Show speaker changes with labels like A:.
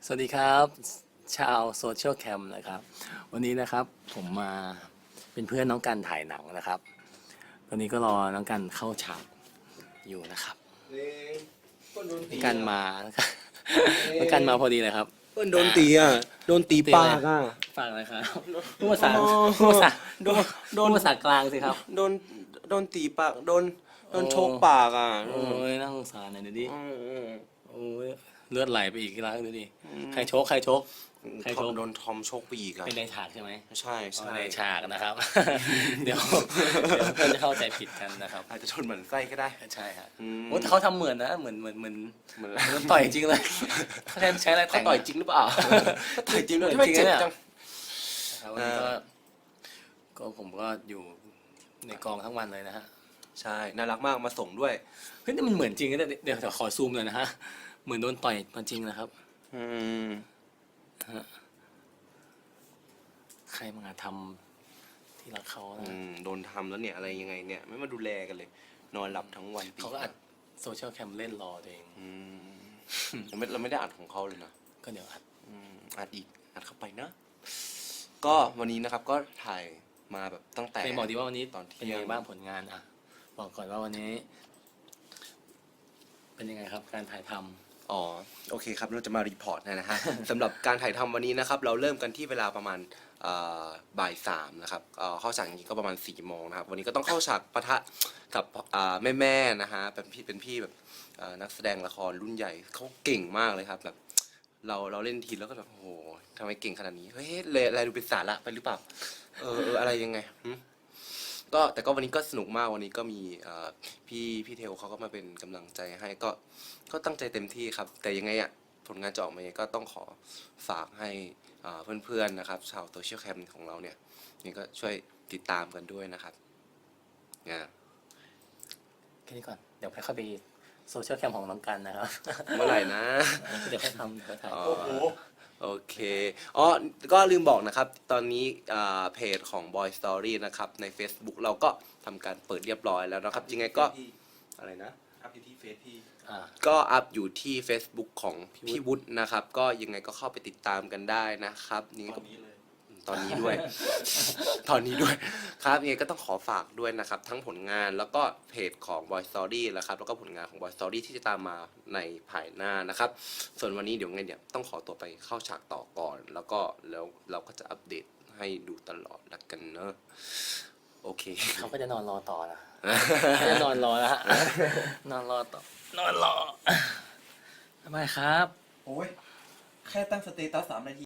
A: สวัสดีครับชาวโซเชียลแคมนะครับวันนี้นะครับผมมาเป็นเพื่อนน้องกันถ่ายหนังนะครับตอนนี้ก็รอน้องกันเข้าฉากอยู่นะครับน้องกันมานะครับน้องกันมาพอดีเลยครับ
B: เพื่อนโดนตีอ่ะโดนตีปากอ่ะ
A: ฝากอะไรครับพูดภาษาพูดภาษาพูดภาษากลางสิครับ
B: โดนตีปากโดนชกปากอ่ะ
A: โอ้ยน่าสงสารหน่อยดูดิโอ้ยเลือดไหลไปอีกแล้วดูดิใครชกใครชก
B: โดนทอมชกไปอีกอ่ะ
A: เป็นในฉากใช่ไหม
B: ใช่ใช่
A: ในฉากนะครับ เดี๋ยวเพื่อนจะเข้าใจผิดกันนะครับ
B: อาจจะชนเหมือนไส้ก็ได้
A: ใช่ครับโอ้แต่เขาทำเหมือนนะเหมือนต่อยจริงเลยเขาใช้อะไร
B: เขา
A: แต่ง
B: ต่อยจริงหรือเปล่าต่อยจริงด้วยทำไมเจ็บจัง
A: ครับวันนี้ก็ผมก็อยู่ในกองทั้งวันเลยนะฮะ
B: ใช่น่ารักมากมาส่งด้วย
A: เฮ้ยนี่มันเหมือนจริงนะเดี๋ยวขอซูมเลยนะฮะเหมือนโดนต่อยมาจริงนะครับใครมาทำที่รักเขานะ
B: โดนทำแล้วเนี่ยอะไรยังไงเนี่ยไม่มาดูแลกันเลย นอนหลับทั้งวัน
A: เขาก็อัดโซเชียลแคมเล่นรอตัวเอง
B: เราไม่ได้อัดของเขาเลยนะ
A: ก็เดี๋ยวอัด
B: อัดอีกอัดเข้าไปนะ ก็วันนี้นะครับก็ถ่ายมาแบบตั้งแต่
A: เป็นบอกดีว่าวันนี้
B: ตอนเที่ยง
A: เป็นยังไงบ้างผลงานอ่ะบอกก่อนว่าวันนี้ เป็นยังไงครับการถ่ายทำ
B: อ๋อโอเคครับเราจะมารีพอร์ตนะฮะ สำหรับการถ่ายทำวันนี้นะครับเราเริ่มกันที่เวลาประมาณบ่ายสามนะครับเข้าฉากอย่างนี้ก็ประมาณ4 โมงนะครับวันนี้ก็ต้องเข้าฉากปะทะกับแม่ๆนะฮะเป็นพี่แบบนักแสดงละครรุ่นใหญ่เขาเก่งมากเลยครับแบบเราเล่นทีแล้วก็แบบโอ้โหทำไมเก่งขนาดนี้เฮ้ยอะไรดูเป็นสาระไปหรือเปล่าอะไรยังไงก็แต่ก็วันนี้ก็สนุกมากวันนี้ก็มีพี่เทลเขาก็มาเป็นกำลังใจให้ก็ตั้งใจเต็มที่ครับแต่ยังไงอ่ะผลงานจะออกมายังไงก็ต้องขอฝากให้เพื่อนๆนะครับชาวโซเชียลแคมของเราเนี่ยนี่ก็ช่วยติดตามกันด้วยนะครับนะ
A: แค่นี้ก่อนเดี๋ยวค่อยไปโซเชียลแคมของน้องกันนะครับ
B: เมื่อไหร่นะ
A: เดี๋ยวค่อยทำเดี๋ยวถ่าย
B: โอเคก็ลืมบอกนะครับตอนนี้เพจของ Boy Story นะครับใน Facebook เราก็ทำการเปิดเรียบร้อยแล้วนะครับยังไงก็อะไรนะ
C: อัพอยู่ที่เฟซพี่
B: ก็อัพอยู่ที่ Facebook ของพี่วุฒินะครับก็ยังไงก็เข้าไปติดตามกันได้นะครับนี่ก็ตอนนี้ด้วย ตอนนี้ด้วยครับยังไงก็ต้องขอฝากด้วยนะครับทั้งผลงานแล้วก็เพจของ Boy Story นะครับแล้วก็ผลงานของ Boy Story ที่จะตามมาในภายหน้านะครับส่วนวันนี้เดี๋ยวไงเนี่ยต้องขอตัวไปเข้าฉากต่อก่อนแล้วเราก็จะอัปเดตให้ดูตลอดละกันเนอะโอเค
A: เขาก็จะนอนรอต่อนะเขาจะนอนรอแล้วฮะนอนรอต่อนอนรอทำไมครับ
C: โอ้ย แค่ตั้งสเตตัส3 นาที